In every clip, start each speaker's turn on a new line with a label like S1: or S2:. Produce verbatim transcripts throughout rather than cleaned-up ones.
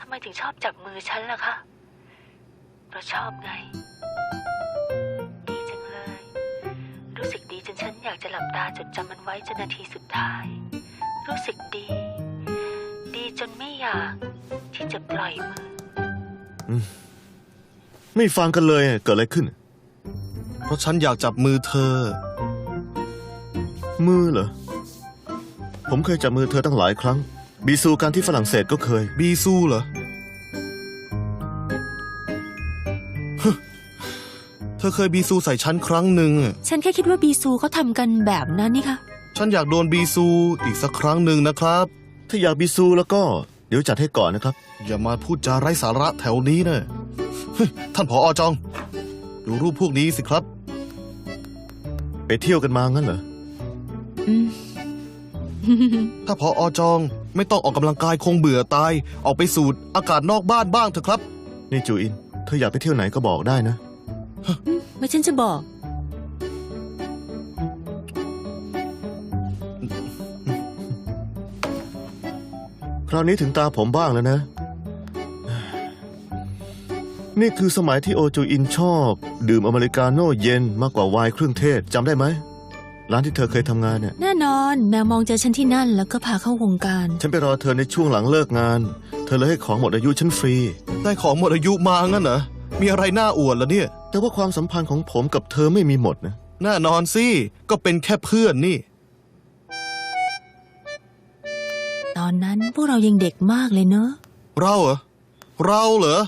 S1: ำไมถึงชอบจับมือฉันล่ะคะเพราะชอบไงดีจังเลยรู้สึกดีจนฉันอยากจะหลับตาจดจำมันไว้จนนาทีสุดท้ายรู้สึกดีดีจนไม่อยากที่จะปล่อยมือ
S2: อืมไม่ฟังกันเลยเกิดอะไรขึ้น
S3: เพราะฉันอยากจับมือเธอ
S2: มือเหรอผมเคยจับมือเธอตั้งหลายครั้งบีซูการที่ฝรั่งเศสก็เคย
S3: บีซูเหรอเธอเคยบีซูใส่ฉันครั้งหนึ่ง
S4: ฉันแค่คิดว่าบีซูเขาทำกันแบบนั้นนี่คะ
S3: ฉันอยากโดนบีซูอีกสักครั้งหนึ่งนะครับ
S2: ถ้าอยากบีซูแล้วก็เดี๋ยวจัดให้ก่อนนะครับ
S3: อย่ามาพูดจาไร้สาระแถวนี้นะท่านผอ.จองดูรูปพวกนี้สิครับ
S2: ไปเที่ยวกันมางั้นเหรอ
S4: อืม
S3: ถ้าผอ.จองไม่ต้องออกกำลังกายคงเบื่อตายออกไปสูดอากาศนอกบ้านบ้างเถอะครับ
S2: นี่จูอินเธออยากไปเที่ยวไหนก็บอกได้นะ
S4: ไม่ฉันจะบอก
S2: คราวนี้ถึงตาผมบ้างแล้วนะนี่คือสมัยที่โอจูอินชอบดื่มอเมริกาโน่เย็นมากกว่าไวน์เครื่องเทศจำได้ไหมร้านที่เธอเคยทำงานเนี่ย
S4: แน่นอนแมวมองเจอฉันที่นั่นแล้วก็พาเข้าวงการ
S2: ฉันไปรอเธอในช่วงหลังเลิกงานเธอเลยให้ของหมดอายุฉันฟรี
S3: ได้ของหมดอายุมางั้นเหรอมีอะไรน่าอวดล่ะเนี่ย
S2: แต่ว่าความสัมพันธ์ของผมกับเธอไม่มีหมดนะ
S3: แน่นอนสิก็เป็นแค่เพื่อนนี่
S4: ตอนนั้นพวกเรายังเด็กมากเลยเนอะ
S3: เราเหรอเราเหรอ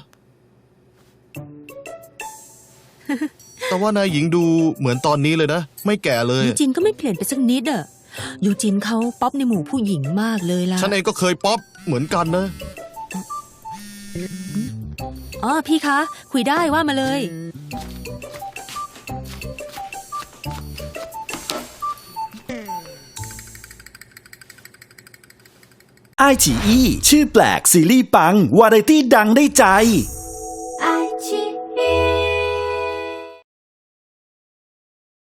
S3: แต่ว่านายหญิงดูเหมือนตอนนี้เลยนะไม่แก่เลย
S4: ยูจินก็ไม่เปลี่ยนไปสักนิดอะยูจินเขาป๊อปในหมู่ผู้หญิงมากเลยล่ะ
S3: ฉันเองก็เคยป๊อปเหมือนกันนะ
S4: อ๋อพี่คะคุยได้ว่ามาเลย
S5: ไอฉีอีชื่อแปลกซีรีส์ปังวาไรตี้ดังได้ใจ